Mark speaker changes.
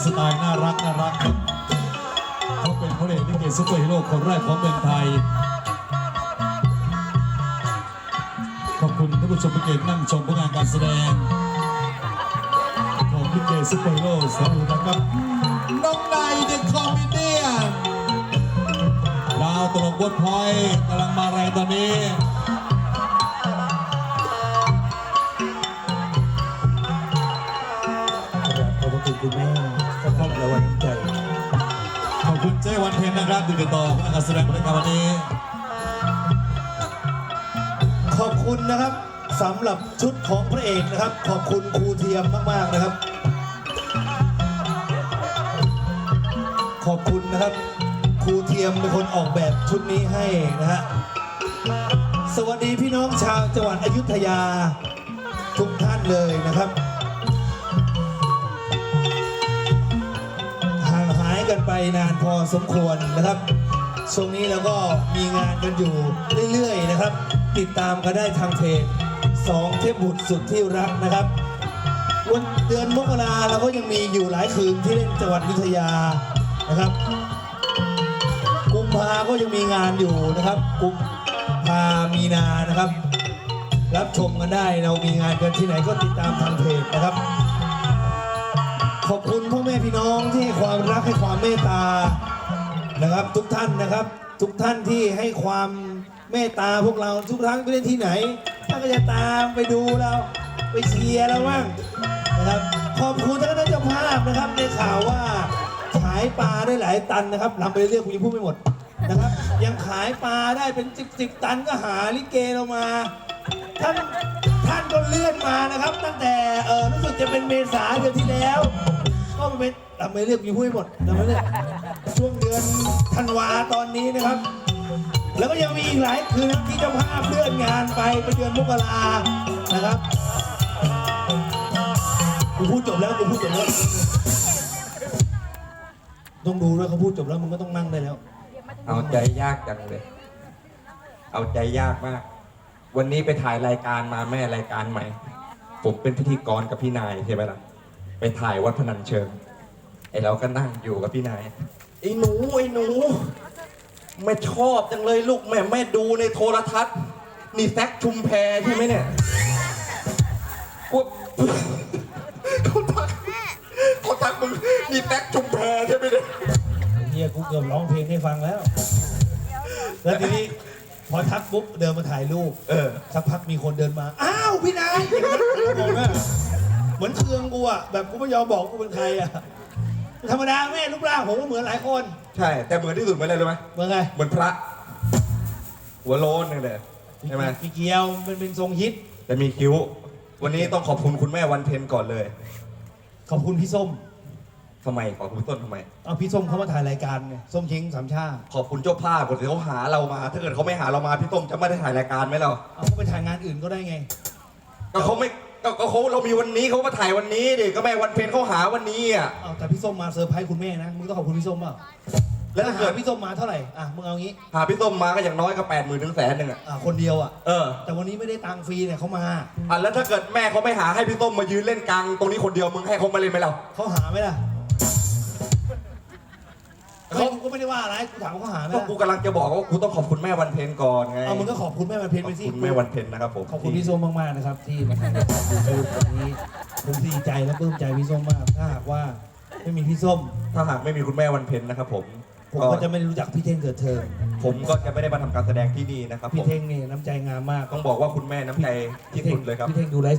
Speaker 1: สไตล์น่ารักครับเขาเป็นพระเอกลิเกซุปเปอร์ฮีโร่คนแรกของเมืองไทยขอบคุณท่านผู้ชมที่เกียรตินั่งชมผลงานการแสดงของลิเกซุปเปอร์ฮีโร่สารุนะครับน้องนายเดอะคอมเมเดี้ดาวตลกบดพลอยกำลังมาแรงตอนนี้
Speaker 2: ขอบคุณคุณแม่ขอบคุณและวันใจ
Speaker 1: ขอบคุณเจ้วันเพ็ญนะครับติดต่อการแสดงในวันนี้
Speaker 2: ขอบคุณนะครับสำหรับชุดของพระเอกนะครับขอบคุณครูเทียมมากๆนะครับขอบคุณนะครับครูเทียมเป็นคนออกแบบชุดนี้ให้นะฮะสวัสดีพี่น้องชาวจังหวัดอยุธยาทุกท่านเลยนะครับห่างหายกันไปนานพอสมควรนะครับช่วงนี้เราก็มีงานกันอยู่เรื่อยๆนะครับติดตามกันได้ทางเพจ2เทพบุตรสุดที่รักนะครับวันเดือนมกราเราก็ยังมีอยู่หลายคืนที่เล่นจังหวัดอยุธยานะครับกุมภาก็ยังมีงานอยู่นะครับกุมภามีนานะครับรับชมกันได้เรามีงานกันที่ไหนก็ติดตามทางเพจนะครับขอบคุณพ่อแม่พี่น้องที่ให้ความรักให้ความเมตตานะครับทุกท่านนะครับทุกท่านที่ให้ความเมตตาพวกเราทุกครั้งไปเล่นที่ไหนท่านก็จะตามไปดูเราไปเชียร์เราบ้างนะครับขอบคุณท่านเจ้าภาพนะครับในข่าวว่าขายปลาได้หลายตันนะครับลำไปเรื่อยๆคุณยังพูดไม่หมดนะครับยังขายปลาได้เป็น10ตันก็หาลิเกเรามาท่านก็เลื่อนมานะครับตั้งแต่รู้สึกจะเป็นเมษาเดือนที่แล้วก็เป็นลำไปเรื่อยคุณยังพูดไม่หมดลำไปเรื่อยช่วงเดือนธันวาตอนนี้นะครับแล้วก็ยังมีอีกหลายคืนที่เจ้าภาพเลื่อนงานไปเดือนมกรานะครับกูพูดจบแล้วต้องดูด้วยเขาพูดจบแล้วมึงก็ต้องนั่งได้แล้ว
Speaker 3: เอาใจยากจังเลยเอาใจยากมากวันนี้ไปถ่ายรายการมาแม่รายการใหม่ผมเป็นพิธีกรกับพี่นายใช่ไหมล่ะไปถ่ายวัดพนัญเชิงไอเราก็นั่งอยู่กับพี่นายไอ้หนูแม่ชอบจังเลยลูกแม่ดูในโทรทัศน์นี่แซคชุมแพใช่ไหมเนี่ยเขาทักมึงนี่แซคชุมแพใช่ไหมเนี่ย
Speaker 2: เฮียกูเกือบร้องเพลงให้ฟังแล้วแล้วทีนี้พอทักปุ๊บเดินมาถ่ายรูปสักพักมีคนเดินมาอ้าวพี่นายบอกว่าเหมือนเคืองกูอะแบบกูไม่ยอมบอกกูเป็นใครอะธรรมดาแม่รูปร่างผมก็เหมือนหลายคน
Speaker 3: ใช่แต่เหมือนที่สุดเหมือนอะไรรู้ไหม
Speaker 2: เหมือนไง
Speaker 3: เหมือนพระหัวโล้นเลยใช่ไหม
Speaker 2: มีเกียวมันเป็นทรงฮิต
Speaker 3: แต่มีคิ้ววันนี้ต้องขอบคุณคุณแม่วันเพ็ญก่อนเลย
Speaker 2: ขอบคุณพี่ส้ม
Speaker 3: ทำไมขอบคุณต้นทำไม
Speaker 2: เอาพี่ส้มเขามาถ่ายรายการไงส้มเช้งสามชา
Speaker 3: ขอบคุณเจ้าภาพคนที่เขาหาเรามาถ้าเกิดเขาไม่หาเรามาพี่ต้มจะไม่ได้ถ่ายรายการไหมเรา
Speaker 2: เอาเขาไปถ่ายงานอื่นก็ได้ไง
Speaker 3: ก็เขาไม่ก็เขาเรามีวันนี้เขามาถ่ายวันนี้ดิก็แม่วันเพ็ญเขาหาวันนี้อ่ะ
Speaker 2: แต่พี่ส้มมาเซอร์ไพรส์คุณแม่นะมึงต้องขอบคุณพี่ส้มเปล่าแล้วถ้าเกิดพี่ส้มมาเท่าไหร่มึงเอางี้
Speaker 3: หาพี่ส้มมาก็อย่างน้อยก็80,000 ถึง100,000อ่ะ
Speaker 2: คนเดียวแต่วันนี้ไม่ได้ตังค์ฟรีเนี่ยเขามา
Speaker 3: แล้วถ้าเกิดแม่เขาไม่หาให้พี่ส้มมายืนเล่นกลางตรงนี้คนเดียวมึงให้เขามาเล่นไหมเรา
Speaker 2: เขาหาไหมล่ะเขาก็ไม่ได้ว่าอะไรกูถามเขาหาไหม
Speaker 3: กูกำลังจะบอกว่ากูต้องขอบคุณแม่วันเพ็ญก่อนไง
Speaker 2: มึงก็ขอบคุณแม่วันเพ็ญไปสิ
Speaker 3: ขอบคุณแม่วันเพ็ญนะครับผม
Speaker 2: ขอบคุณพี่ส้มมากๆนะครับที่มาถ่ายวันนี้ผมดีใจและปลื้มใจพี่ส้มมากถ้าหากว่าไม่มีพี่ส้ม
Speaker 3: ถ้าหากไม่มีคุณแม่วันเพ็ญนะครับผม
Speaker 2: ก็จะไม่รู้จักพี่เท่งเกิดเธอ
Speaker 3: ผมก็จะไม่ได้มาทำการแสดงที่นี่นะครับ
Speaker 2: พี่เท่งนี่น้ำใจงามมาก
Speaker 3: ต้องบอกว่าคุณแม่น้ำใจที่สุดเลยครับ
Speaker 2: พี่เท่งดูไลฟ์